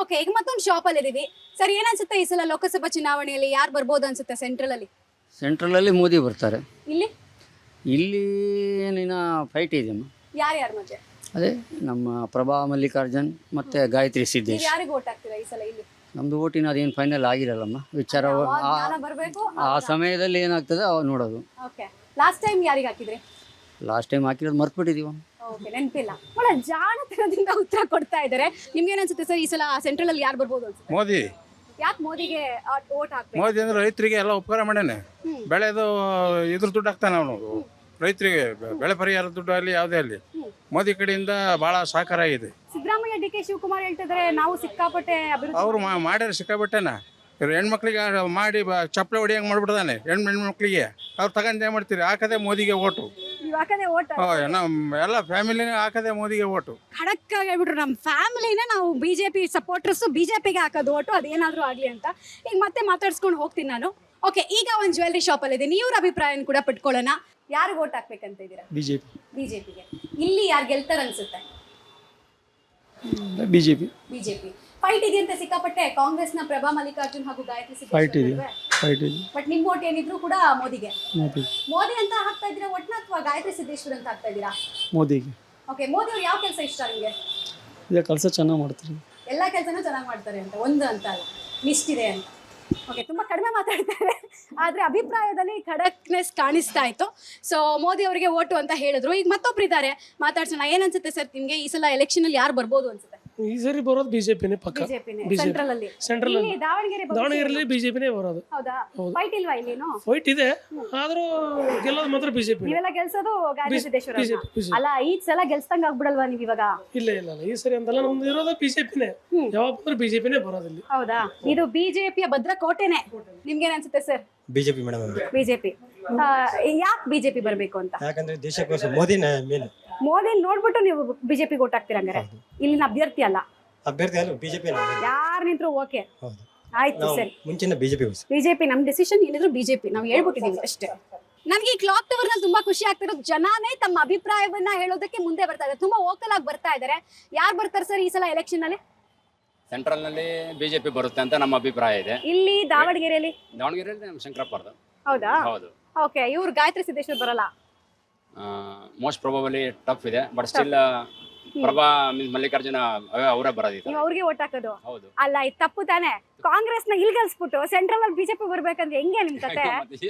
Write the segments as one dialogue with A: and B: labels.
A: Okay, ಈಗ ಮತ್ತೊಂದು shop ಅಲ್ಲಿ ಇದೀವಿ. ಸರ್, ಏನ್ ಅನ್ಸುತ್ತೆ ಈ ಸಲ ಲೋಕಸಭಾ ಚುನಾವಣೆಯಲ್ಲಿ ಯಾರು ಬರ್ಬೋದು ಅನ್ಸುತ್ತೆ ಸೆಂಟ್ರಲ್ ಅಲ್ಲಿ?
B: ಸೆಂಟ್ರಲಲ್ಲಿ ಮೋದಿ ಬರ್ತಾರೆ.
A: ಇಲ್ಲಿ
B: ಇಲ್ಲಿ ಏನಿನ ಫೈಟ್ ಇದೆಯಮ್ಮ.
A: ಯಾರ್ಯಾರ ಮಧ್ಯೆ?
B: ಅದೇ ನಮ್ಮ ಪ್ರಭಾ ಮಲ್ಲಿಕಾರ್ಜುನ್ ಮತ್ತು ಗಾಯತ್ರಿ
A: ನೀವು
B: ಸಿದ್ದೇಶ್.
A: ಯಾರಿಗೆ ಓಟ್ ಹಾಕ್ತೀರಾ ಈ ಸಲ ಇಲ್ಲಿ?
B: ನಮ್ಮದು ಓಟಿನ ಅದೇನು ಫೈನಲ್ ಆಗಿರಲ್ಲಮ್ಮ, ವಿಚಾರ
A: ಜ್ಞಾನ ಬರ್ಬೇಕು.
B: ಆ ಸಮಯದಲ್ಲಿ ಏನಾಗ್ತದೆ ಅವಾಗ ನೋಡೋದು.
A: ಓಕೆ, ಲಾಸ್ಟ್ ಟೈಮ್ ಯಾರಿಗೆ ಹಾಕಿದ್ರಿ?
B: ಲಾಸ್ಟ್ ಟೈಮ್ ಹಾಕಿರೋದು ಮರ್ತ್ಬಿಟ್ಟಿದ್ದೀವ.
A: ಓಕೆ, ನೆನಪಿಲ್ಲ. ಒಳ್ಳೆ ಜಾಣತನದಿಂದ ಉತ್ತರ ಕೊಡ್ತಾ ಇದ್ದಾರೆ. ನಿಮ್ಗೆ ಏನ್ ಸರ್ ಈ ಸಲ ಸೆಂಟ್ರಲ್ ಅಲ್ಲಿ ಯಾರು ಬರ್ಬೋದು ಅನ್ಸುತ್ತೆ?
C: ಮೋದಿ.
A: ಯಾಕೆ ಮೋದಿಗೆ ಓಟ್ ಹಾಕ್ಬೇಕು?
C: ಮೋದಿ ಅಂದ್ರೆ ರೈತರಿಗೆ ಎಲ್ಲ ಉಪಕಾರ ಮಾಡ್ಯಾನೆ. ಬೆಳೆದು ಇದ್ರ ದುಡ್ಡು ಹಾಕ್ತಾನೆ ಅವನು ರೈತರಿಗೆ. ಬೆಳೆ ಪರಿಹಾರ ದುಡ್ಡು ಅಲ್ಲಿ ಯಾವುದೇ ಅಲ್ಲಿ ಮೋದಿ ಕಡೆಯಿಂದ ಬಹಳ ಸಹಕಾರ ಆಗಿದೆ.
A: ಸಿದ್ದರಾಮಯ್ಯ, ಡಿ ಕೆ ಶಿವಕುಮಾರ್ ಹೇಳ್ತಿದ್ದಾರೆ ನಾವು ಸಿಕ್ಕಾಪಟ್ಟೆ ಅಭಿವೃದ್ಧಿ.
C: ಅವ್ರು ಮಾಡ್ಯಾರ ಸಿಕ್ಕಾಬಿಟ್ಟೆನ. ಇವ್ರು ಹೆಣ್ಮಕ್ಳಿಗೆ ಮಾಡಿ ಚಪ್ಪಲೆ ಹೊಡಿಯಂಗೆ ಮಾಡ್ಬಿಡ್ದಾನೆ ಹೆಣ್ಮಕ್ಳಿಗೆ. ಅವ್ರು ತಗೊಂಡು ಏನು ಮಾಡ್ತೀರಿ, ಹಾಕದೆ ಮೋದಿಗೆ ಓಟು.
A: ನೀವು ಹಾಕದೆ ಓಟ್?
C: ನಮ್ಮ ಎಲ್ಲ ಫ್ಯಾಮಿಲಿನೇ ಹಾಕದೆ ಮೋದಿಗೆ ಓಟು.
A: ಖಡಕ್ ಆಗಿ ಹೇಳ್ಬಿಟ್ರು, ನಮ್ಮ ಫ್ಯಾಮಿಲಿನ ನಾವು ಬಿಜೆಪಿ ಸಪೋರ್ಟರ್ಸ್, ಬಿಜೆಪಿಗೆ ಹಾಕೋದು ಓಟು, ಅದೇನಾದ್ರೂ ಆಗ್ಲಿ ಅಂತ. ಈಗ ಮತ್ತೆ ಮಾತಾಡ್ಸ್ಕೊಂಡು ಹೋಗ್ತೀನಿ ನಾನು. ಓಕೆ, ಈಗ ಒಂದು ಜ್ಯುವೆಲ್ಲರಿ ಶಾಪ್ ಅಲ್ಲಿ ಇದೆ. ಇವ್ರ ಅಭಿಪ್ರಾಯ ಕೂಡ ಪಡ್ಕೊಳ್ಳೋಣ. ಯಾರಿಗೆ ಓಟ್ ಹಾಕ್ಬೇಕಂತ ಇದ್ದೀರಾ? ಬಿಜೆಪಿಗೆ. ಇಲ್ಲಿ ಯಾರು ಗೆಲ್ತಾರ ಅನ್ಸುತ್ತೆ?
D: ಬಿಜೆಪಿ.
A: ಫೈಟ್ ಇದೆಯಂತೆ ಸಿಕ್ಕಾಪಟ್ಟೆ. ಕಾಂಗ್ರೆಸ್ನ ಪ್ರಭಾ ಮಲ್ಲಿಕಾರ್ಜುನ್ ಹಾಗೂ ಗಾಯತ್ರಿ ಸಿದ್ದೇಶ್. ಬಟ್ ನಿಮ್ ಓಟ್ ಏನಿದ್ರು ಕೂಡ ಮೋದಿಗೆ. ಮೋದಿ ಅಂತ ಹಾಕ್ತಾ ಇದ್ದೀರಾ ಒಟ್ನ, ಅಥವಾ ಗಾಯತ್ರಿ ಸಿದ್ದೇಶ್ವರ್ ಅಂತ ಹಾಕ್ತಾ ಇದ್ದೀರಾ?
D: ಮೋದಿಗೆ.
A: ಓಕೆ, ಮೋದಿ ಅವ್ರು ಯಾವ ಕೆಲಸ ಇಷ್ಟ ನಿಮಗೆ?
D: ಕೆಲಸ ಚೆನ್ನಾಗಿ ಮಾಡ್ತಾರೆ.
A: ಎಲ್ಲಾ ಕೆಲಸನೂ ಚೆನ್ನಾಗಿ ಮಾಡ್ತಾರೆ ಅಂತ, ಒಂದು ಅಂತ ಅಲ್ಲ, ಲಿಸ್ಟ್ ಇದೆ ಅಂತ. ಓಕೆ, ತುಂಬಾ ಕಡಿಮೆ ಮಾತಾಡ್ತಾರೆ, ಆದ್ರೆ ಅಭಿಪ್ರಾಯದಲ್ಲಿ ಖಡಕ್ನೆಸ್ ಕಾಣಿಸ್ತಾ ಇತ್ತು. ಸೊ ಮೋದಿ ಅವರಿಗೆ ಓಟು ಅಂತ ಹೇಳಿದ್ರು. ಈಗ ಮತ್ತೊಬ್ರು ಇದ್ದಾರೆ, ಮಾತಾಡ್ಸೋಣ. ಏನ್ ಅನ್ಸುತ್ತೆ ಸರ್ ನಿಮ್ಗೆ ಈ ಸಲ ಎಲೆಕ್ಷನ್ ಅಲ್ಲಿ ಯಾರು ಬರ್ಬೋದು ಅನ್ಸುತ್ತೆ?
D: ಈ ಸರಿ ಬರೋದು ಬಿಜೆಪಿನೇ ಪಕ್ಕ.
A: ಸೆಂಟ್ರಲ್ ಅಲ್ಲಿ. ಇಲ್ಲಿ
D: ದಾವಣಗೆರೆಯಲ್ಲಿ ಬಿಜೆಪಿನೇ ಬರೋದು.
A: ಹೌದಾ? ಫೈಟ್ ಇಲ್ವಾ ಇಲ್ಲೇನು?
D: ಫೈಟ್ ಇದೆ, ಆದ್ರೂ ಗೆಲ್ಲೋದು ಮಾತ್ರ ಬಿಜೆಪಿ.
A: ನೀವೆಲ್ಲ ಗೆಲ್ಸೋದು ಗಾಯತ್ರಿ ಸಿದ್ದೇಶ್ವರ ಅಲ್ಲ? ಈ ಸಲ ಗೆಲ್ಸಂಗ್ ಆಗ್ಬಿಡಲ್ವಾ ನೀವ್ ಇವಾಗ?
D: ಇಲ್ಲ ಈ ಸರಿ ಅಂತಲ್ಲ, ನಮ್ದು ಇರೋದು ಬಿಜೆಪಿನೇ. ಯಾವಾಗ ಬಂದ್ರೆ ಬಿಜೆಪಿನೇ ಬರೋದಿಲ್ಲ.
A: ಹೌದಾ? ಇದು ಬಿಜೆಪಿಯ ಭದ್ರಕೋಟೆನೆ. ನಿಮ್ಗೇನ್ ಅನ್ಸುತ್ತೆ ಸರ್?
E: BJP madam.
A: ಬಿಜೆಪಿ. ಯಾಕೆ ಬಿಜೆಪಿ ಬರ್ಬೇಕು ಅಂತ?
E: ಯಾಕಂದ್ರೆ ದೇಶಕ್ಕೋಸ್ಕರ ಮೋದಿನ ಮೇನ್.
A: ಮೋದಿ ನೋಡ್ಬಿಟ್ಟು ನೀವು ಬಿಜೆಪಿ ಓಟ್ ಹಾಕ್ತೀರಾ ಹಂಗಾರೆ? ಇಲ್ಲಿನ ಅಭ್ಯರ್ಥಿ ಅಲ್ಲ,
E: ಅಭ್ಯರ್ಥಿ ಅಲ್ಲ, ಬಿಜೆಪಿ.
A: ಯಾರು ನಿಂತ್ರು ಓಕೆ,
E: ಹೌದು,
A: ಆಯ್ತು ಸರಿ.
E: ಮುಂಚಿನ
A: ಬಿಜೆಪಿ ನಮ್ ಡಿಸಿಷನ್ ಏನಿದ್ರು ಬಿಜೆಪಿ, ನಾವು ಹೇಳ್ಬಿಟ್ಟಿದೀವಿ ಅಷ್ಟೇ. ನನ್ಗೆ ಈ ಕ್ಲಾಕ್ ಟವರ್ ನಲ್ಲಿ ತುಂಬಾ ಖುಷಿ ಆಗ್ತಿರೋದು, ಜನಾನೇ ತಮ್ಮ ಅಭಿಪ್ರಾಯವನ್ನ ಹೇಳೋದಕ್ಕೆ ಮುಂದೆ ಬರ್ತಾ ಇದ್ದಾರೆ, ತುಂಬಾ ವೋಕಲ್ ಆಗಿ ಬರ್ತಾ ಇದ್ದಾರೆ. ಯಾರು ಬರ್ತಾರೆ ಸರ್ ಈ ಸಲ ಎಲೆಕ್ಷನ್ ಅಲ್ಲಿ?
F: ಸೆಂಟ್ರಲ್ ನಲ್ಲಿ ಬಿಜೆಪಿ ಬರುತ್ತೆ ಅಂತ ನಮ್ಮ ಅಭಿಪ್ರಾಯ ಇದೆ.
A: ಇಲ್ಲಿ ದಾವಣಗೆರೆಯಲ್ಲಿ
F: ನಮ್ಮ ಶಂಕರಪ್ಪರ್ದು.
A: ಹೌದಾ?
F: ಹೌದು.
A: ಓಕೆ, ಇವ್ರು ಗಾಯತ್ರಿ ಸಿದ್ದೇಶ್ವರ್ ಬರಲ್ಲ?
F: ಮೋಸ್ಟ್ ಪ್ರೊಬಬಲಿ ಟಫ್ ಇದೆ, ಬಟ್ ಸ್ಟಿಲ್ ಪ್ರಭಾ ಮಲ್ಲಿಕಾರ್ಜುನ ಅವರೇ ಬರೋದಿತ್ತು.
A: ನೀವು ಅವ್ರಿಗೆ ಓಟ್ ಹಾಕೋದು?
F: ಹೌದು.
A: ಅಲ್ಲ, ಇದು ತಪ್ಪು ತಾನೆ. ಕಾಂಗ್ರೆಸ್ ನ ಇಲ್ಲಿ ಗೆಲ್ಸ್ಬಿಟ್ಟು ಸೆಂಟ್ರಲ್ ಅಲ್ಲಿ ಬಿಜೆಪಿ ಬರ್ಬೇಕಂದ್ರೆ ಹೆಂಗೆ ನಿಮ್ ಕತೆ?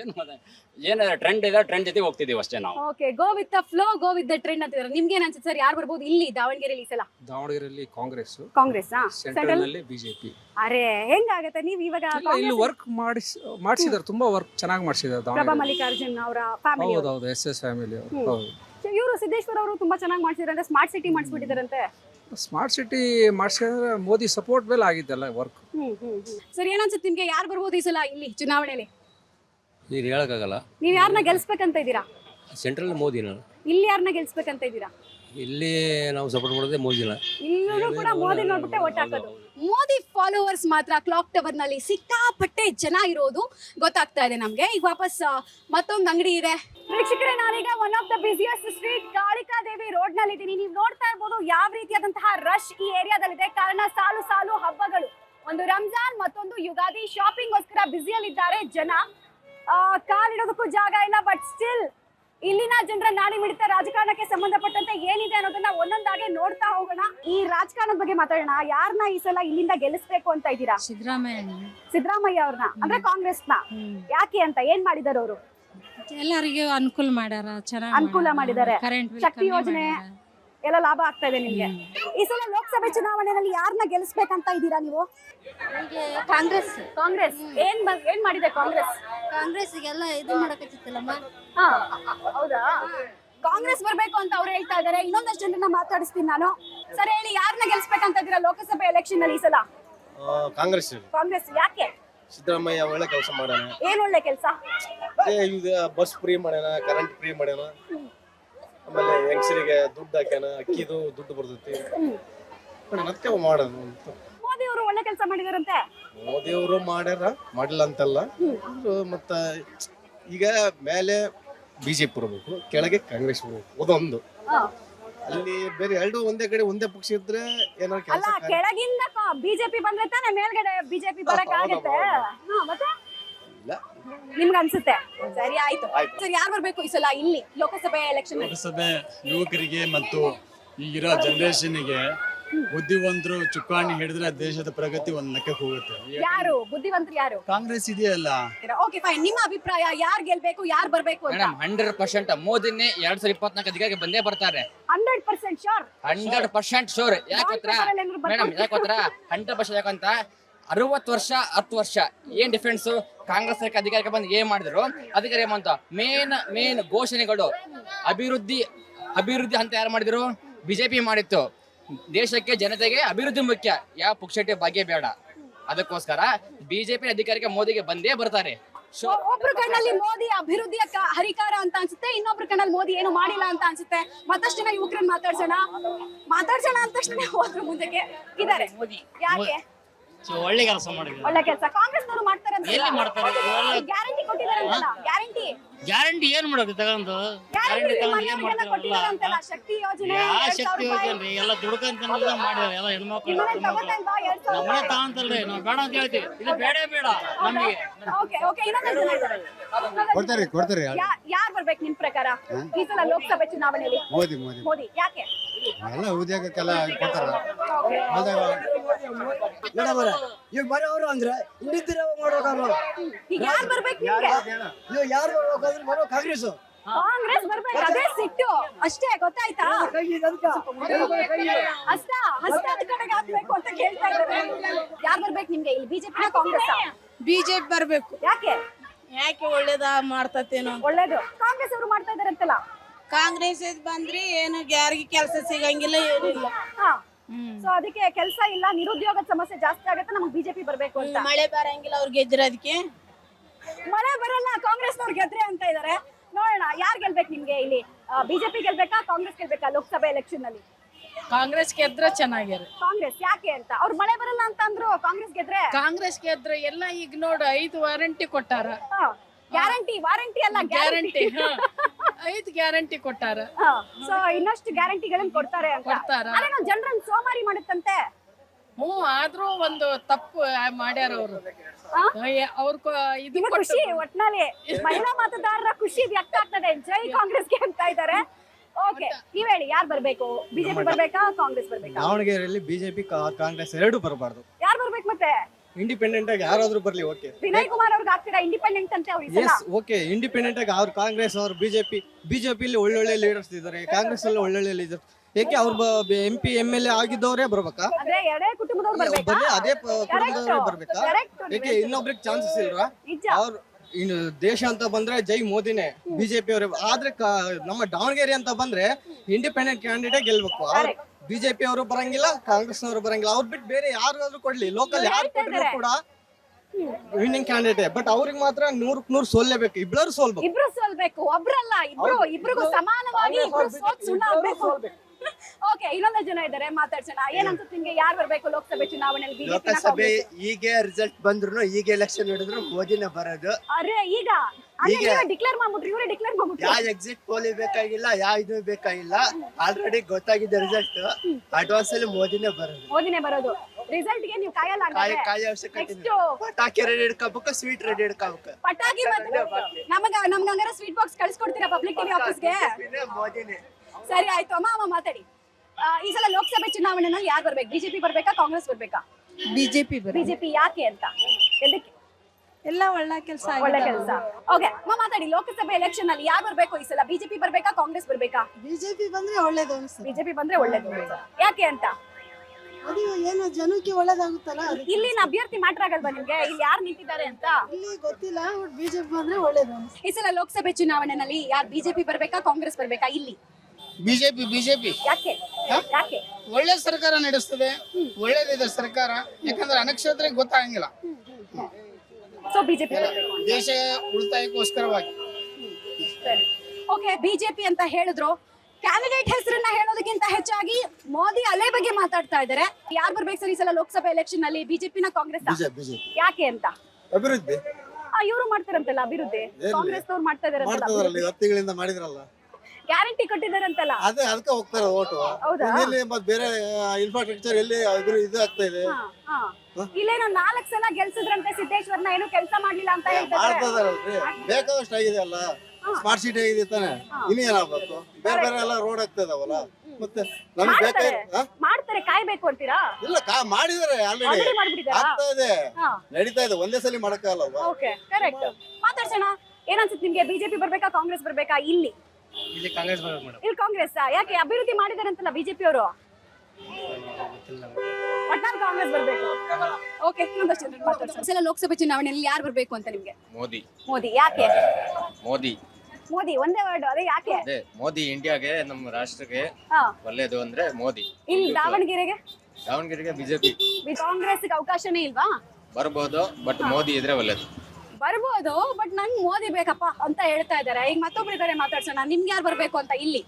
F: ಏನ ಟ್ರೆಂಡ್ ಇದೆ, ಟ್ರೆಂಡ್ ಜೊತೆ ಹೋಗ್ತಿದೀವಿ ಅಷ್ಟೇ ನಾವು.
A: Okay, go with the flow, go with the trend ಅಂತಿದ್ದಾರೆ. ನಿಮ್ಗೆ ಏನ್ ಅನ್ಸುತ್ತೆ ಸರ್, ಯಾರು ಬರ್ಬೋದು ಇಲ್ಲಿ ದಾವಣಗೆರೆಯಲ್ಲಿ ಈ ಸಲ?
G: ದಾವಣಗೆರೆಯಲ್ಲಿ ಕಾಂಗ್ರೆಸ್.
A: ಸೆಂಟ್ರಲ್
G: ನಲ್ಲಿ ಬಿಜೆಪಿ.
A: ಅರೆ, ಹೆಂಗಾಗತ್ತೆ? ನೀವು ಇವಾಗ
G: ಇಲ್ಲಿ ವರ್ಕ್ ಮಾಡಿಸಿದಾರೆ, ತುಂಬಾ ವರ್ಕ್ ಚೆನ್ನಾಗಿ ಮಾಡಿಸಿದಾರೆ.
A: ಪ್ರಭಾ ಮಲ್ಲಿಕಾರ್ಜುನ್ ಅವರ ಫ್ಯಾಮಿಲಿ.
G: ಹೌದು, ಎಸ್ ಫ್ಯಾಮಿಲಿ. ಹೌದು.
A: ಇವರು ಸಿದ್ದೇಶ್ವರ್ ಅವರು ತುಂಬಾ ಚೆನ್ನಾಗಿ ಮಾಡಿಸಿದಾರೆ, ಸ್ಮಾರ್ಟ್ ಸಿಟಿ ಮಾಡಿಸ್ಬಿಟ್ಟಿದಾರಂತೆ.
G: ಸ್ಮಾರ್ಟ್ ಸಿಟಿ ಮಾಡಿಸಿದ್ರೆ ಮೋದಿ ಸಪೋರ್ಟ್ ಮೇಲೆ ಆಗಿದ್ದಲ್ಲ ವರ್ಕ್.
A: ಸರ್, ಏನನ್ಸುತ್ತೆ ನಿಮ್ಗೆ, ಯಾರು ಬರ್ಬೋದು ಈ ಸಲ ಇಲ್ಲಿ ಚುನಾವಣೆಯಲ್ಲಿ?
H: ಈಗ ಹೇಳಕ್ಕಾಗಲ್ಲ.
A: ನೀವ್ ಯಾರನ್ನ ಗೆಲ್ಸ್ಬೇಕಂತ ಇದ್ದೀರಾ?
H: ಸೆಂಟ್ರಲ್ ಮೋದಿನ.
A: ಇಲ್ಲಿ ಯಾರನ್ನ ಗೆಲ್ಸ್ಬೇಕಂತ ಇದ್ದೀರಾ?
H: ಇಲ್ಲಿ ನಾವು ಸಪೋರ್ಟ್ ಮಾಡೋದೇ ಮೋದಿನ.
A: ಇಲ್ಲೂ ಕೂಡ ಮೋದಿ ನೋಡ್ಬಿಟ್ಟೆ ಓಟ್ ಹಾಕೋದು. ಮೋದಿ ಫಾಲೋವರ್ಸ್ ಮಾತ್ರ ಕ್ಲಾಕ್ ಟವರ್ ನಲ್ಲಿ ಸಿಕ್ಕಾಪಟ್ಟೆ ಜನ ಇರೋದು ಗೊತ್ತಾಗ್ತಾ ಇದೆ ನಮ್ಗೆ. ಈಗ ವಾಪಸ್ ಮತ್ತೊಂದು ಅಂಗಡಿ ಇದೆ. ವೀಕ್ಷಕರೇ, ನಾನೀಗ one of the busiest street Kalikadevi road ನಲ್ಲಿ ಇದ್ದೀನಿ. ನೀವು ನೋಡ್ತಾ ಇರ್ಬೋದು ಯಾವ ರೀತಿಯಾದಂತಹ ರಶ್ ಈ ಏರಿಯಾದಲ್ಲಿದೆ. ಕಾರಣ ಸಾಲು ಸಾಲು ಹಬ್ಬಗಳು, ಒಂದು ರಂಜಾನ್, ಮತ್ತೊಂದು ಯುಗಾದಿ. ಶಾಪಿಂಗ್ ಗೋಸ್ಕರ ಬ್ಯುಸಿಯಲ್ಲಿದ್ದಾರೆ ಜನ. ಕಾಲಿಡೋದಕ್ಕೂ ಜಾಗ ಇಲ್ಲ. ಬಟ್ ಸ್ಟಿಲ್ ಇಲ್ಲಿನ ಜನರ ನಾಡಿ ಮಿಡಿತ ರಾಜಕಾರಣಕ್ಕೆ ಸಂಬಂಧಪಟ್ಟಂತೆ ಏನಿದೆ ಅನ್ನೋದನ್ನ ಒಂದೊಂದಾಗೆ ನೋಡ್ತಾ ಹೋಗೋಣ. ಈ ರಾಜಕಾರಣದ ಬಗ್ಗೆ ಮಾತಾಡೋಣ. ಯಾರನ್ನ ಈ ಸಲ ಇಲ್ಲಿಂದ ಗೆಲ್ಲಿಸ್ಬೇಕು ಅಂತ ಇದ್ದೀರಾ? ಸಿದ್ದರಾಮಯ್ಯ ಅವ್ರನ್ನ, ಅಂದ್ರೆ ಕಾಂಗ್ರೆಸ್ನ. ಯಾಕೆ ಅಂತ? ಏನ್ ಮಾಡಿದಾರೆ ಅವರು?
I: ಎಲ್ಲರಿಗೂ ಅನುಕೂಲ ಮಾಡ್ಯಾರ, ಚೆನ್ನಾಗಿ
A: ಅನುಕೂಲ ಮಾಡಿದ್ದಾರೆ. ಶಕ್ತಿ ಯೋಜನೆ ಎಲ್ಲ ಲಾಭ ಆಗ್ತಾ ಇದೆ ನಿಮ್ಗೆ. ಈ ಸಲ ಲೋಕಸಭೆ ಚುನಾವಣೆಯಲ್ಲಿ ಯಾರನ್ನ ಗೆಲ್ಲಿಸ್ಬೇಕಂತ ಇದ್ದೀರಾ ನೀವು?
I: ಕಾಂಗ್ರೆಸ್.
A: ಏನ್ ಮಾಡಿದೆ ಕಾಂಗ್ರೆಸ್?
I: ಕಾಂಗ್ರೆಸ್ಗೆಲ್ಲ ಇದು ಮಾಡಕತ್ತಿತ್ತಲ್ಲಮ್ಮ.
A: ಹೌದಾ? ಕಾಂಗ್ರೆಸ್ ಬರ್ಬೇಕು ಅಂತ ಅವ್ರು ಹೇಳ್ತಾ ಇದಾರೆ. ಇನ್ನೊಂದಷ್ಟು ಜನರನ್ನ ಮಾತಾಡಿಸ್ತೀನಿ ನಾನು. ಸರ್, ಹೇಳಿ, ಯಾರನ್ನ ಗೆಲ್ಸ್ಬೇಕಂತ ಇದ್ದೀರಾ ಲೋಕಸಭೆ ಎಲೆಕ್ಷನ್ ಅಲ್ಲಿ ಈ ಸಲ? ಕಾಂಗ್ರೆಸ್. ಯಾಕೆ?
J: ಸಿದ್ದರಾಮಯ್ಯ ಒಳ್ಳೆ ಕೆಲಸ ಮಾಡ್ಯಾನ.
A: ಏನ್ ಒಳ್ಳೆ ಕೆಲಸ?
J: ಬಸ್ ಫ್ರೀ ಮಾಡ್ಯಾನ, ಕರೆಂಟ್ ಫ್ರೀ ಮಾಡ್ಯಾನ. ಆಮೇಲೆ ಹೆಂಗಸರಿಗೆ ದುಡ್ಡು ಹಾಕ್ಯಾನ, ಅಕ್ಕಿದು ದುಡ್ಡು ಬರ್ತೈತಿ. ಅದಕ್ಕೆ ಮಾಡೋದು.
A: ಮೋದಿ ಅವರು ಒಳ್ಳೆ ಕೆಲಸ ಮಾಡಿದಾರಂತೆ.
J: ಮೋದಿ ಅವರು ಮಾಡ್ಯಾರ, ಮಾಡಿಲ್ಲ ಅಂತಲ್ಲ. ಮತ್ತ ಈಗ ಮೇಲೆ ಬಿಜೆಪಿ ಬರಬೇಕು, ಕೆಳಗೆ ಕಾಂಗ್ರೆಸ್ ಬರಬೇಕು. ಅದೊಂದು ಅಲ್ಲಿ ಬೇರೆ ಎರಡು ಒಂದೇ ಕಡೆ ಒಂದೇ ಪಕ್ಷ ಇದ್ರೆ ಏನಾದ್ರು
A: ಅಲ್ಲ
J: ಕೆಲಸ
A: ಕೆಳಗಿಂದ ಬಿಜೆಪಿ ಬಂದ್ರೆ ತಾನೇ ಮೇಲ್ಗಡೆ ಬಿಜೆಪಿ ಬರಕ್ ಆಗುತ್ತೆ ಮತ್ತೆ
J: ಇಲ್ಲ.
A: ನಿಮ್ಗೆ ಅನ್ಸುತ್ತೆ ಸರಿ ಆಯ್ತು ಸರ್ ಯಾರು ಬರ್ಬೇಕು ಈ ಸಲ ಇಲ್ಲಿ ಲೋಕಸಭೆ ಎಲೆಕ್ಷನ್
K: ಲೋಕಸಭೆ ಯುವಕರಿಗೆ ಮತ್ತು ಈಗಿರೋ ಜನರೇಷನ್ಗೆ ಬುದ್ಧಿವಂತರು ಚುಕ್ಕಾಣಿ ಹಿಡಿದ್ರೆ ದೇಶದ ಪ್ರಗತಿ ಒಂದ್ ಲೆಕ್ಕಕ್ಕೆ ಹೋಗುತ್ತೆ.
A: ಯಾರು ಬುದ್ಧಿವಂತರು ಯಾರು
K: ಕಾಂಗ್ರೆಸ್ ಇದೆಯಲ್ಲ,
A: ಓಕೆ ಫೈನ್ ನಿಮ್ಮ ಅಭಿಪ್ರಾಯ ಯಾರು ಗೆಲ್ಬೇಕು ಯಾರು ಬರ್ಬೇಕು ಅಂತ
F: ಮೇಡಮ್ 100% ಮೋದಿನೇ 2024 ಅಧಿಕಾರಕ್ಕೆ ಬಂದೇ ಬರ್ತಾರೆ.
A: 100% ಶೋರ್
F: 100% ಶೋರ್. ಯಾಕೆ ಗೊತ್ತಾ ಮೇಡಮ್, ಯಾಕೆ ಗೊತ್ತಾ 100% ಯಾಕಂತ 60 ವರ್ಷ 10 ವರ್ಷ ಏನ್ ಡಿಫ್ರೆನ್ಸ್? ಕಾಂಗ್ರೆಸ್ ಅಧಿಕಾರಕ್ಕೆ ಬಂದು ಏನ್ ಮಾಡಿದ್ರು, ಅಧಿಕಾರ ಏಮಂತ ಮೇನ್ ಘೋಷಣೆಗಳು ಅಭಿವೃದ್ಧಿ ಅಂತ ಯಾರು ಮಾಡಿದ್ರು? ಬಿಜೆಪಿ ಮಾಡಿತ್ತು. ದೇಶಕ್ಕೆ ಜನತೆಗೆ ಅಭಿವೃದ್ಧಿ ಮುಖ್ಯ, ಯಾವ ಪುಕ್ಷಟೆ ಭಾಗ್ಯ ಬೇಡ. ಅದಕ್ಕೋಸ್ಕರ ಬಿಜೆಪಿ ಅಧಿಕಾರಕ್ಕೆ ಮೋದಿಗೆ ಬಂದೇ ಬರ್ತಾರೆ.
A: ಒಬ್ರು ಕಣ್ಣಲ್ಲಿ ಮೋದಿ ಅಭಿವೃದ್ಧಿಯ ಹರಿಕಾರ ಅಂತ ಅನ್ಸುತ್ತೆ, ಇನ್ನೊಬ್ರು ಕಣ್ಣಲ್ಲಿ ಮೋದಿ ಏನು ಮಾಡಿಲ್ಲ ಅಂತ ಅನ್ಸುತ್ತೆ. ಮತ್ತಷ್ಟು ಜನ ಯುವಕರನ್ನ ಮಾತಾಡ್ಸೋಣ ಅಂತ ತಕ್ಷಣ ಹೋದ್ರು ಮುಂದಕ್ಕೆ ಇದಾರೆ. ಯಾಕೆ?
K: ಒಳ್ಳೆ ಕೆಲಸ ಮಾಡಿದ್ರು.
A: ಒಳ್ಳೆ ಕೆಲಸ ಕಾಂಗ್ರೆಸ್ನವರು ಮಾಡ್ತಾರೆ ಅಂತ
K: ಎಲ್ಲಿ ಮಾಡ್ತಾರೆ?
A: ಗ್ಯಾರಂಟಿ ಕೊಟ್ಟಿದಾರಂತಲ್ಲ.
K: ಗ್ಯಾರಂಟಿ ಏನ್ ಮಾಡೋದು ತಗೊಂಡು?
A: ಗ್ಯಾರಂಟಿ ಮನೆಯವರಿಗೆಲ್ಲ ಕೊಟ್ಟಿದಾರಂತಲ್ಲ. ಶಕ್ತಿ ಯೋಜನೆ
K: ಯಾವ
A: 2000
K: ಶಕ್ತಿ
A: ರೂಪಾಯಿ.
K: ಯೋಜನೆ ಎಲ್ಲ ದುಡ್ಕಂತ ಮಾಡ್ಯಾರ ಎಲ್ಲ ಹೆಣ್ಮಕ್ಳು.
A: ನಿಮ್ಮನೆ ತಗೋತಾ ಇಲ್ವಾ 2000
K: ನಮ್ಮನೆ
A: ರೂಪಾಯಿ?
K: ತಗೊಂತಲ್ರಿ, ನಾವು ಬೇಡ ಅಂತ ಹೇಳ್ತೀವಿ. ಇದು ಬೇಡ ನಮಗೆ.
A: ಓಕೆ ಇನ್ನೊಂದು ಜನ ಇದ್ದಾರೆ.
J: ಕೊಡ್ತಾರೆ
A: ಯಾರು ಬರ್ಬೇಕು ನಿಮ್ ಪ್ರಕಾರ ಈ ಸಲ ಲೋಕಸಭೆ ಚುನಾವಣೆಯಲ್ಲಿ? ಮೋದಿ ಯಾಕೆ?
J: ಎಲ್ಲ ಉದ್ಯೋಗಕ್ಕೆಲ್ಲ ಕೊಡ್ತಾರ.
B: ಇವ್ ಬರೋರು ಅಂದ್ರೆ ಇನ್ನಿತರ ಮಾಡ್ಬೇಕಲ್ವ?
A: ಈಗ ಯಾರು ಬರ್ಬೇಕು ನಿಮ್ಗೆ?
B: ಇವ್ ಯಾರು ಬರ್ಬೇಕಂದ್ರೆ ಬರೋ ಕಾಂಗ್ರೆಸ್
A: ಕಾಂಗ್ರೆಸ್ ಬರ್ಬೇಕು, ಅದೇ ಸಿಟ್ಟು ಅಷ್ಟೇ. ಗೊತ್ತಾಯ್ತಾ? ಹಸ್ತಾದ ಕಡೆಗೆ ಹಾಕ್ಬೇಕು ಅಂತ ಕೇಳ್ತಾ ಇದ್ದಾರೆ. ಯಾರು ಬರ್ಬೇಕು ನಿಮ್ಗೆ ಇಲ್ಲಿ, ಬಿಜೆಪಿ ಕಾಂಗ್ರೆಸ್?
I: ಬಿಜೆಪಿ ಬರ್ಬೇಕು.
A: ಯಾಕೆ?
I: ಯಾಕೆ ಒಳ್ಳೇದ ಮಾಡ್ತತೇನೋ.
A: ಒಳ್ಳೇದು ಕಾಂಗ್ರೆಸ್ ಅವರು ಮಾಡ್ತಾ ಇದಾರಂತಲ್ಲ.
I: ಕಾಂಗ್ರೆಸ್ ಬಂದ್ರಿ ಏನು ಯಾರಿಗೆ ಕೆಲಸ ಸಿಗಂಗಿಲ್ಲ ಏನಿಲ್ಲ.
A: ಹಾ ಸೊ ಅದಕ್ಕೆ ಕೆಲಸ ಇಲ್ಲ, ನಿರುದ್ಯೋಗದ ಸಮಸ್ಯೆ ಜಾಸ್ತಿ ಆಗುತ್ತೆ, ನಮ್ಗೆ ಬಿಜೆಪಿ ಬರ್ಬೇಕು ಅಂತ.
I: ಮಳೆ ಬರಂಗಿಲ್ಲ ಅವ್ರು ಗೆದ್ದಿರೋದಕ್ಕೆ.
A: ಮಳೆ ಬರಲ್ಲ ಕಾಂಗ್ರೆಸ್ನವ್ರು ಗೆದ್ರೆ ಅಂತ ಇದಾರೆ. ನೋಡೋಣ ಯಾರು ಗೆಲ್ಬೇಕು ನಿಮ್ಗೆ ಇಲ್ಲಿ, ಬಿಜೆಪಿ ಗೆಲ್ಬೇಕಾ ಕಾಂಗ್ರೆಸ್ ಗೆಲ್ಬೇಕಾ ಲೋಕಸಭೆ ಎಲೆಕ್ಷನ್ ನಲ್ಲಿ?
I: ಕಾಂಗ್ರೆಸ್ ಗೆದ್ರೆ ಚೆನ್ನಾಗಿರ.
A: ಕಾಂಗ್ರೆಸ್ ಯಾಕೆ ಅಂತ? ಅವ್ರು ಮಳೆ ಬರಲ್ಲ ಅಂತ ಅಂದ್ರು, ಕಾಂಗ್ರೆಸ್ ಗೆದ್ರೆ
I: ಕಾಂಗ್ರೆಸ್ ಗೆದ್ರೆ ಎಲ್ಲ ಈಗ ನೋಡು 5 ವಾರಂಟಿ ಕೊಟ್ಟಾರ.
A: ವಾರಂಟಿ ಅಲ್ಲ
I: ಗ್ಯಾರಂಟಿ 5 ಗ್ಯಾರಂಟಿ ಕೊಟ್ಟಾರ.
A: ಸೊ ಇನ್ನಷ್ಟು ಗ್ಯಾರಂಟಿಗಳನ್ನ ಕೊಡ್ತಾರೆ ಅಂತ. ಆದ್ರೆ ನಾವು ಜನರನ್ನ ಸೋಮಾರಿ ಮಾಡುತ್ತಂತೆ.
I: ಆದ್ರೂ ಒಂದು ತಪ್ಪು ಮಾಡ್ಯಾರ ಅವರು. ಇದು
A: ಖುಷಿ ಒಟ್ನಲ್ಲಿ ಮಹಿಳಾ ಮತದಾರರ ಖುಷಿ ವ್ಯಕ್ತ ಆಗ್ತದೆ. ಜೈ ಕಾಂಗ್ರೆಸ್ಗೆ ಅಂತ ಇದ್ದಾರೆ. ಓಕೆ ನೀವ್ ಹೇಳಿ ಯಾರು ಬರ್ಬೇಕು? ಬಿಜೆಪಿ ಬರ್ಬೇಕಾ ಕಾಂಗ್ರೆಸ್ ಬರ್ಬೇಕಾ?
E: ದಾವಣಗೆರೆಯಲ್ಲಿ ಬಿಜೆಪಿ ಕಾಂಗ್ರೆಸ್ ಎರಡು ಬರಬಾರ್ದು.
A: ಯಾರು ಬರ್ಬೇಕು ಮತ್ತೆ?
E: ಇಂಡಿಪೆಂಡೆಂಟ್ ಆಗಿ ಯಾರಾದ್ರೂ ಬರ್ಲಿ. ಓಕೆ,
A: ವಿನಯ್ ಕುಮಾರ್ ಅವ್ರಿಗೆ ಆಗ್ತೀರಾ ಇಂಡಿಪೆಂಡೆಂಟ್ ಅಂತ? ಅವ್ರಿಗೆ
E: ಎಸ್ ಓಕೆ, ಇಂಡಿಪೆಂಡೆಂಟ್ ಆಗಿ ಅವ್ರು ಕಾಂಗ್ರೆಸ್ ಅವ್ರು ಬಿಜೆಪಿಲಿ ಒಳ್ಳೊಳ್ಳೆ ಲೀಡರ್ಸ್ ಇದ್ದಾರೆ, ಕಾಂಗ್ರೆಸ್ ಅಲ್ಲಿ ಒಳ್ಳೊಳ್ಳೆ ಲೀಡರ್ಸ್. ಏಕೆ ಅವ್ರು MP MLA ಆಗಿದ್ದವರೇ ಬರ್ಬೇಕಾ?
A: ಅಂದ್ರೆ ಎರಡೇ ಕುಟುಂಬದವ್ರು ಬರ್ಬೇಕಾ?
E: ಬರೀ ಅದೇ ಕುಟುಂಬದವರೇ ಬರ್ಬೇಕಾ? ಏಕೆ ಇನ್ನೊಬ್ರಿಗೆ ಚಾನ್ಸಸ್ ಇಲ್ವಾ? ಅವ್ರು ಇನ್ನು ದೇಶ ಅಂತ ಬಂದ್ರೆ ಜೈ ಮೋದಿನೇ, ಬಿಜೆಪಿ ಅವರೇ. ಆದ್ರೆ ನಮ್ಮ ದಾವಣಗೆರೆ ಅಂತ ಬಂದ್ರೆ ಇಂಡಿಪೆಂಡೆಂಟ್ ಕ್ಯಾಂಡಿಡೇಟ್ ಗೆಲ್ಬೇಕು. ಅವ್ರು ಬಿಜೆಪಿ ಅವರು ಬರಂಗಿಲ್ಲ, ಕಾಂಗ್ರೆಸ್ ನವರು ಬರಂಗಿಲ್ಲ. ಅವ್ರು ಬಿಟ್ಟು ಬೇರೆ ಯಾರಿಗಾದ್ರೂ ಕೊಡ್ಲಿ, ಲೋಕಲ್ ಯಾರು ಕೊಟ್ಟರು ಕೂಡ ವಿನ್ನಿಂಗ್ ಕ್ಯಾಂಡಿಡೇಟ್. ಬಟ್ ಅವ್ರಿಗೆ ಮಾತ್ರ 100% ಸೋಲ್ಲೇಬೇಕು. ಇಬ್ರು
A: ಸೋಲ್ಬೇಕು, ಒಬ್ರಲ್ಲ ಇಬ್ರಿಗೂ ಸಮಾನವಾಗಿ ಇಬ್ರು ಸೋತ್ ಸುಣ್ಣ ಆಗ್ಬೇಕು. ಓಕೆ ಇನ್ನೊಂದು ಜನ ಇದ್ದಾರೆ, ಮಾತಾಡ್ಸೋಣ. ಏನ್ ಅನ್ಸುತ್ತೆ ನಿಮ್ಗೆ ಯಾರು ಬರ್ಬೇಕು ಲೋಕಸಭೆ ಚುನಾವಣೆಯಲ್ಲಿ?
B: ಲೋಕಸಭೆ ಈಗ ರಿಸಲ್ಟ್ ಬಂದ್ರು, ಈಗ ಎಲೆಕ್ಷನ್ ಹಿಡಿದ್ರು ಮೋದಿನೇ ಬರೋದು.
A: ಅರೆ ಈಗ ಡಿಕ್ಲೇರ್ ಮಾಡ್ಬಿಟ್ರಿ, ಇವರೇ ಡಿಕ್ಲೇರ್ ಮಾಡ್ಬಿಟ್ರಿ.
B: ಯಾವ ಎಕ್ಸಿಟ್ ಪೋಲ್ ಬೇಕಾಗಿಲ್ಲ, ಯಾವ ಇದು ಬೇಕಾಗಿಲ್ಲ. ಆಲ್ರೆಡಿ ಗೊತ್ತಾಗಿದೆ ರಿಸಲ್ಟ್. ಅಡ್ವಾನ್ಸ್ ಅಲ್ಲಿ ಮೋದಿನೇ ಬರೋದು. ರಿಸಲ್ಟ್ ಗೆ ನೀವು ಕಾಯಲ್ಲ ಹಾಗಾದ್ರೆ? ಕಾಯ ಅವಶ್ಯಕತೆ ಇಲ್ಲ. ಪಟಾಕಿ ರೆಡಿ ಇಡ್ಕೋಬೇಕು, ಸ್ವೀಟ್ ರೆಡಿ ಇಡ್ಕೋಬೇಕು.
A: ಪಟಾಕಿ ನಮ್ಗೆ ಹಂಗಾರೆ ಸ್ವೀಟ್ ಬಾಕ್ಸ್ ಕಳ್ಸಿಕೊಡ್ತೀರಾ ಪಬ್ಲಿಕ್ ಟಿವಿ ಆಫೀಸ್ಗೆ?
B: ಮೋದಿನೇ.
A: ಸರಿ ಆಯ್ತು ಅಮ್ಮ ಮಾತಾಡಿ. ಈ ಸಲ ಲೋಕಸಭೆ ಚುನಾವಣೆನಲ್ಲಿ ಯಾರು ಬರ್ಬೇಕು? ಬಿಜೆಪಿ ಬರ್ಬೇಕಾ ಕಾಂಗ್ರೆಸ್ ಬರ್ಬೇಕಾ? ಬಿಜೆಪಿ ಯಾಕೆ ಅಂತ? ಎದಕ್ಕೆ?
I: ಎಲ್ಲ ಒಳ್ಳೆ ಕೆಲಸ.
A: ಒಳ್ಳೆ ಕೆಲಸ. ಓಕೆ ಮಾತಾಡಿ. ಲೋಕಸಭೆ ಎಲೆಕ್ಷನ್ ಅಲ್ಲಿ ಯಾರು ಬರ್ಬೇಕು ಈ ಸಲ? ಬಿಜೆಪಿ ಬರ್ಬೇಕಾ ಕಾಂಗ್ರೆಸ್ ಬರ್ಬೇಕಾ?
I: ಬಿಜೆಪಿ ಬಂದ್ರೆ ಒಳ್ಳೇದು ಅನ್ಸುತ್ತೆ.
A: ಬಿಜೆಪಿ ಬಂದ್ರೆ ಒಳ್ಳೇದು. ಯಾಕೆ ಅಂತ?
I: ಅದು ಏನೋ ಜನಕ್ಕೆ ಒಳ್ಳೇದಾಗುತ್ತಲ್ಲ.
A: ಇಲ್ಲಿನ ಅಭ್ಯರ್ಥಿ ಮ್ಯಾಟರ್ ಆಗಲ್ವಾ ನಿಮ್ಗೆ? ಇಲ್ಲಿ ಯಾರು ನಿಂತಿದ್ದಾರೆ ಅಂತ
I: ಇಲ್ಲಿ ಗೊತ್ತಿಲ್ಲ. ಬಿಜೆಪಿ ಬಂದ್ರೆ ಒಳ್ಳೇದು ಅನ್ಸುತ್ತೆ.
A: ಈ ಸಲ ಲೋಕಸಭೆ ಚುನಾವಣೆಯಲ್ಲಿ ಯಾರು ಬಿಜೆಪಿ ಬರ್ಬೇಕಾ ಕಾಂಗ್ರೆಸ್ ಬರ್ಬೇಕಾ? ಇಲ್ಲಿ
K: ಬಿಜೆಪಿ
A: ಯಾಕೆ?
K: ಒಳ್ಳೆ ಸರ್ಕಾರ ನಡೆಸ್ತದೆ, ಒಳ್ಳೇದಿದೆ ಸರ್ಕಾರ. ಯಾಕಂದ್ರೆ ಅನಕ್ಷತ್ರಕ್ಕೆ ಗೊತ್ತಾಗಂಗಿಲ್ಲ.
A: ಸೊ ಬಿಜೆಪಿ ಬರ್ಬೇಕು.
K: ದೇಶ ಉಳಿತಾಯಕ್ಕೋಸ್ಕರವಾಗಿ.
A: ಸರಿ ಓಕೆ ಬಿಜೆಪಿ ಅಂತ ಹೇಳಿದ್ರು. ಕ್ಯಾಂಡಿಡೇಟ್ ಹೆಸರನ್ನ ಹೇಳೋದಕ್ಕಿಂತ ಹೆಚ್ಚಾಗಿ ಮೋದಿ ಅಲೆ ಬಗ್ಗೆ ಮಾತಾಡ್ತಾ ಇದ್ದಾರೆ. ಯಾರು ಬರ್ಬೇಕು ಸರ್ ಈ ಸಲ ಲೋಕಸಭೆ ಎಲೆಕ್ಷನ್ ಅಲ್ಲಿ? ಬಿಜೆಪಿನ ಕಾಂಗ್ರೆಸ್? ಯಾಕೆ ಅಂತ?
J: ಅಭಿವೃದ್ಧಿ
A: ಇವರು ಮಾಡ್ತಾರಂತಲ್ಲ ಅಭಿವೃದ್ಧಿ, ಕಾಂಗ್ರೆಸ್ ನವ್ರು ಮಾಡ್ತಾ ಇದಾರೆ.
J: 10 ತಿಂಗಳಿಂದ ಮಾಡಿದ್ರಲ್ಲ.
A: ಗ್ಯಾರಂಟಿ ಕೊಟ್ಟಿದ್ದಾರಂತಲ್ಲ.
J: ಅದೇ ಅದಕ್ಕೆ ಹೋಗ್ತಾರೆ ಓಟು.
A: ಹೌದಾ?
J: ಇಲ್ಲಿ ಮತ್ತೆ ಬೇರೆ ಇನ್ಫ್ರಾಸ್ಟ್ರಕ್ಚರ್ ಎಲ್ಲಿ ಇದು ಆಗ್ತಾ ಇದೆ.
A: ಹಾ. ಇಲ್ಲೇನೋ 4 ಸಲ ಗೆಲ್ಸಿದ್ರಂತೆ ಸಿದ್ದೇಶ್ವರ್ನ, ಏನು ಕೆಲಸ ಮಾಡ್ಲಿಲ್ಲ ಅಂತ ಹೇಳ್ತಾರೆ.
J: ಮಾಡ್ತಾ ಇದಾರಲ್ರಿ, ಬೇಕಾದಷ್ಟು ಆಗಿದೆ ಅಲ್ಲ. ಸ್ಮಾರ್ಟ್ ಸಿಟಿ ಆಗಿದೆ ತಾನೆ, ಇನ್ನೇನಾಗ್ಬೇಕು? ಬೇರೆ ಬೇರೆ ಎಲ್ಲ ರೋಡ್ ಆಗ್ತಾ ಇದಾವಲ್ಲ, ಮತ್ತೆ ನಮ್ಗೆ ಬೇಕಾಗಿರೋ
A: ಮಾಡ್ತಾರೆ, ಕಾಯ್ಬೇಕು ಅಂತೀರಾ?
J: ಇಲ್ಲ ಮಾಡಿದಾರೆ ಆಲ್ರೆಡಿ,
A: Already ಮಾಡ್ಬಿಟ್ಟಿದಾರಾ?
J: ಆಗ್ತಾ ಇದೆ,
A: ಹಾ.
J: ನಡೀತಾ ಇದೆ. ಒಂದೇ ಸಲ ಮಾಡಕ್ಕಾಗಲ್ಲ.
A: Okay, correct. ಮಾತಾಡ್ಸೋಣ. ಏನನ್ಸುತ್ತೆ ನಿಮ್ಗೆ, ಬಿಜೆಪಿ ಬರ್ಬೇಕಾ ಕಾಂಗ್ರೆಸ್ ಬರ್ಬೇಕಾ? ಇಲ್ಲಿ
D: ಕಾಂಗ್ರೆಸ್ ಬರ್ಬೇಕು ಮೇಡಮ್.
A: ಇಲ್ಲಿ ಕಾಂಗ್ರೆಸ್ ಯಾಕೆ? ಅಭಿವೃದ್ಧಿ ಮಾಡಿದಾರಂತಲ್ಲ ಬಿಜೆಪಿ ಅವರು. ಒಟ್ನಲ್ಲಿ ಕಾಂಗ್ರೆಸ್ ಬರ್ಬೇಕು. ಓಕೆ, ಇನ್ನೊಂದಷ್ಟು ಜನರು ಮಾತಾಡ್ಸೋಣ. ಈ ಸಲ ಲೋಕಸಭೆ ಚುನಾವಣೆಯಲ್ಲಿ ಯಾರು ಬರ್ಬೇಕು ಅಂತ ನಿಮ್ಗೆ?
F: ಮೋದಿ.
A: ಮೋದಿ. ಯಾಕೆ
F: ಮೋದಿ
A: ಮೋದಿ? ಒಂದೇ ವರ್ಡ್, ಅದೇ ಯಾಕೆ?
F: ಅದೇ ಮೋದಿ ಇಂಡಿಯಾಗೆ, ನಮ್ಮ ರಾಷ್ಟ್ರಕ್ಕೆ
A: ಹಾ.
F: ಒಳ್ಳೇದು ಅಂದ್ರೆ ಮೋದಿ.
A: ಇಲ್ಲಿ ದಾವಣಗೆರೆಗೆ
F: ದಾವಣಗೆರೆಗೆ ಬಿಜೆಪಿ
A: ಕಾಂಗ್ರೆಸ್ಗೆ ಅವಕಾಶನೇ ಇಲ್ವಾ?
F: ಬರ್ಬೋದು, ಬಟ್ ಮೋದಿ ಇದ್ರೆ ಒಳ್ಳೇದು.
A: ಬರ್ಬೋದು, ಬಟ್ ನಂಗೆ ಮೋದಿ ಬೇಕಪ್ಪ ಅಂತ ಹೇಳ್ತಾ ಇದಾರೆ. ಈಗ ಮತ್ತೊಬ್ರು ಇದಾರೆ, ಮಾತಾಡ್ಸೋಣ. ನಿಮ್ಗೆ ಯಾರು ಬರ್ಬೇಕು ಅಂತ? ಇಲ್ಲಿ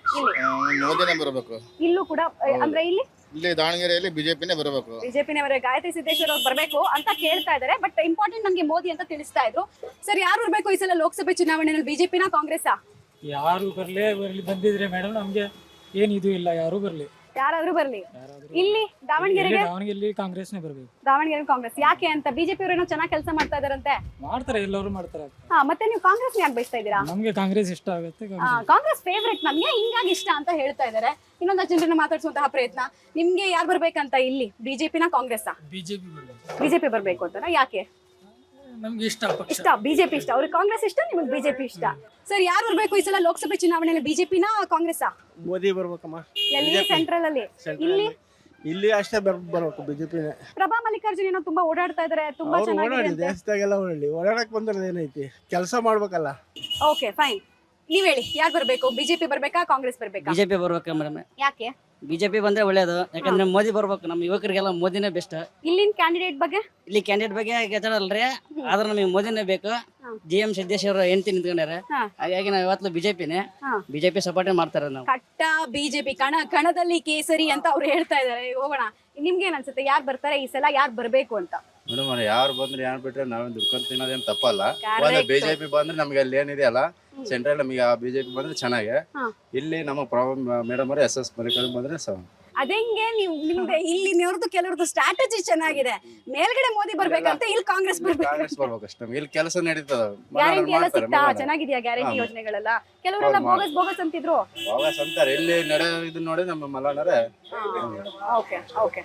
J: ಮೋದಿನೇ ಬರಬೇಕು.
A: ಇಲ್ಲೂ ಕೂಡ ಅಂದ್ರೆ
J: ಇಲ್ಲಿ ದಾವಣಗೆರೆಯಲ್ಲಿ ಬಿಜೆಪಿನೇ ಬರಬೇಕು.
A: ಬಿಜೆಪಿನೇ ಗಾಯತ್ರಿ ಸಿದ್ದೇಶ್ವರ್ ಅವ್ರು ಬರ್ಬೇಕು ಅಂತ ಕೇಳ್ತಾ ಇದಾರೆ. ಬಟ್ ಇಂಪಾರ್ಟೆಂಟ್ ನನ್ಗೆ ಮೋದಿ ಅಂತ ತಿಳಿಸ್ತಾ ಇದ್ರು. ಸರ್, ಯಾರು ಬರ್ಬೇಕು ಈ ಸಲ ಲೋಕಸಭೆ ಚುನಾವಣೆಯಲ್ಲಿ? ಬಿಜೆಪಿನ ಕಾಂಗ್ರೆಸ್?
D: ಯಾರು ಬರ್ಲಿ ಬಂದಿದ್ರೆ ಮೇಡಮ್ ನಮ್ಗೆ ಏನ್ ಇದು ಇಲ್ಲ, ಯಾರು ಬರ್ಲಿ,
A: ಯಾರಾದ್ರೂ ಬರ್ಲಿ. ಇಲ್ಲಿ ದಾವಣಗೆರೆಗೆ
D: ಕಾಂಗ್ರೆಸ್ನೇ ಬರ್ಬೇಕು.
A: ದಾವಣಗೆರೆ ಕಾಂಗ್ರೆಸ್. ಯಾಕೆ ಅಂತ? ಬಿಜೆಪಿ ಅವರು ಏನೋ ಚೆನ್ನಾಗಿ ಕೆಲಸ ಮಾಡ್ತಾ ಇದಾರಂತೆ.
D: ಮಾಡ್ತಾರೆ, ಎಲ್ಲರೂ ಮಾಡ್ತಾರೆ.
A: ಹಾ, ಮತ್ತೆ ನೀವು ಕಾಂಗ್ರೆಸ್ ಯಾಕೆ ಬಯಸ್ತಾ ಇದ್ದೀರಾ?
D: ನಮ್ಗೆ ಕಾಂಗ್ರೆಸ್ ಇಷ್ಟ ಆಗುತ್ತೆ.
A: ಕಾಂಗ್ರೆಸ್ ಫೇವ್ರೆಟ್ ನಮ್ಗೆ, ಹಿಂಗಾಗಿ ಇಷ್ಟ ಅಂತ ಹೇಳ್ತಾ ಇದಾರೆ. ಇನ್ನೊಂದಷ್ಟು ಜನರನ್ನ ಮಾತಾಡ್ಸುವಂತಹ ಪ್ರಯತ್ನ. ನಿಮ್ಗೆ ಯಾರು ಬರ್ಬೇಕಂತ ಇಲ್ಲಿ? ಬಿಜೆಪಿನ ಕಾಂಗ್ರೆಸ್?
D: ಬಿಜೆಪಿ ಬರ್ಬೇಕು.
A: ಬಿಜೆಪಿ ಬರ್ಬೇಕು ಅಂತ. ಯಾಕೆ?
D: ನಮ್ಗೆ ಇಷ್ಟ
A: ಇಷ್ಟ, ಬಿಜೆಪಿ ಇಷ್ಟ. ಅವ್ರಿಗೆ ಕಾಂಗ್ರೆಸ್ ಇಷ್ಟ, ನಿಮಗೆ ಬಿಜೆಪಿ ಇಷ್ಟ. ಸರ್, ಯಾರು ಬರ್ಬೇಕು ಈ ಸಲ ಲೋಕಸಭೆ ಚುನಾವಣೆಯಲ್ಲಿ? ಬಿಜೆಪಿನ ಕಾಂಗ್ರೆಸ್?
J: ಮೋದಿ ಬರ್ಬೇಕಮ್ಮ.
A: ಎಲ್ಲಿ? ಸೆಂಟ್ರಲ್ ಅಲ್ಲಿ.
J: ಇಲ್ಲಿ ಅಷ್ಟೇ ಬರ್ಬೇಕು, ಬಿಜೆಪಿನೇ.
A: ಪ್ರಭಾ ಮಲ್ಲಿಕಾರ್ಜುನ್ ಏನೋ ತುಂಬಾ ಓಡಾಡ್ತಾ ಇದಾರೆ, ತುಂಬಾ ಚೆನ್ನಾಗಿದೆ.
J: ದೇಶದಾಗೆಲ್ಲ ಓಡಾಡಕ್ ಬಂದ್ರೆ ಏನೈತಿ, ಕೆಲಸ ಮಾಡ್ಬೇಕಲ್ಲ.
A: Okay, fine. ನೀವ್ ಹೇಳಿ, ಯಾರು ಬರ್ಬೇಕು? ಬಿಜೆಪಿ ಬರ್ಬೇಕಾ ಕಾಂಗ್ರೆಸ್ ಬರ್ಬೇಕಾ?
L: ಬಿಜೆಪಿ ಬರ್ಬೇಕು ಮೇಡಮ್.
A: ಯಾಕೆ?
L: ಬಿಜೆಪಿ ಬಂದ್ರೆ ಒಳ್ಳೇದು, ಯಾಕಂದ್ರೆ ಮೋದಿ ಬರ್ಬೇಕು. ನಮ್ಮ ಯುವಕರಿಗೆಲ್ಲ ಮೋದಿನೇ ಬೆಸ್ಟ್.
A: ಇಲ್ಲಿನ ಕ್ಯಾಂಡಿಡೇಟ್ ಬಗ್ಗೆ?
L: ಇಲ್ಲಿ ಕ್ಯಾಂಡಿಡೇಟ್ ಬಗ್ಗೆ ಗೆದ್ದಲ್ರಿ, ಆದ್ರೆ ನಮಗೆ ಮೋದಿನೇ ಬೇಕು. GM ಸಿದ್ದೇಶ್ವರ ಹೆಂಡತಿ ನಿಂತ್ಕೊಂಡ್ಯಾರ, ಹಾಗಾಗಿ ನಾವು ಇವತ್ತು ಬಿಜೆಪಿನೇ. ಬಿಜೆಪಿ ಸಪೋರ್ಟ್ ಮಾಡ್ತಾರೆ ನಾವು.
A: ಕಟ್ಟ ಬಿಜೆಪಿ, ಕಣದಲ್ಲಿ ಕೇಸರಿ ಅಂತ ಅವ್ರು ಹೇಳ್ತಾ ಇದಾರೆ. ಹೋಗೋಣ, ನಿಮ್ಗೆ ಏನ್ ಅನ್ಸುತ್ತೆ, ಯಾರು ಬರ್ತಾರೆ ಈ ಸಲ, ಯಾರು ಬರ್ಬೇಕು ಅಂತ?
J: ಮೇಡಮ್, ಯಾರು ಬಂದ್ರೆ ಯಾರು ಬಿಟ್ರೆ ನಾವೇನ್ ದುಡ್ಕೊಂಡ್ ತಿನ್ನೋದೇನ್ ತಪ್ಪಲ್ಲ.
A: Correct.
J: ಬಿಜೆಪಿ ಬಂದ್ರೆ ನಮ್ಗೆ ಅಲ್ಲಿ ಏನಿದೆ ಅಲ್ಲ, ಸೆಂಟ್ರಲ್ ನಮಗೆ ಬಿಜೆಪಿ ಬಂದ್ರೆ ಚೆನ್ನಾಗಿ. ಇಲ್ಲಿ ನಮ್ಮ ಪ್ರಾಬ್ಲಮ್ ಮೇಡಮ್ ಅವ್ರೆ SS ಮಲ್ಲಿಕಾರ್ಜುನ್ ಬಂದ್ರೆ
A: ಅದಂಗೆ ನಿಮ್ಗೆ ಇಲ್ಲಿ ನೋಡ್ದು ಕೆಲವ್ರದ್ದು ಸ್ಟ್ರಾಟಜಿ ಚೆನ್ನಾಗಿದೆ. ಮೇಲ್ಗಡೆ ಮೋದಿ ಬರ್ಬೇಕಂತ, ಇಲ್ಲಿ ಕಾಂಗ್ರೆಸ್
J: ಕಾಂಗ್ರೆಸ್ ಬರ್ಬೇಕು ಅಷ್ಟೇ. ಇಲ್ಲಿ ಕೆಲಸ ನಡೀತದ,
A: ಗ್ಯಾರಂಟಿ ಎಲ್ಲ ಸಿಗ್ತಾ ಚೆನ್ನಾಗಿದ್ಯಾ? ಗ್ಯಾರಂಟಿ ಯೋಜನೆಗಳೆಲ್ಲ ಕೆಲವರೆಲ್ಲ ಬೋಗಸ್ ಅಂತಿದ್ರು.
J: ಅಂತಾರೆ. ಇಲ್ಲಿ ನಡೆಯೋದು ನೋಡಿ ನಮ್ಮ ಮಲಾನರೇ.
A: Okay okay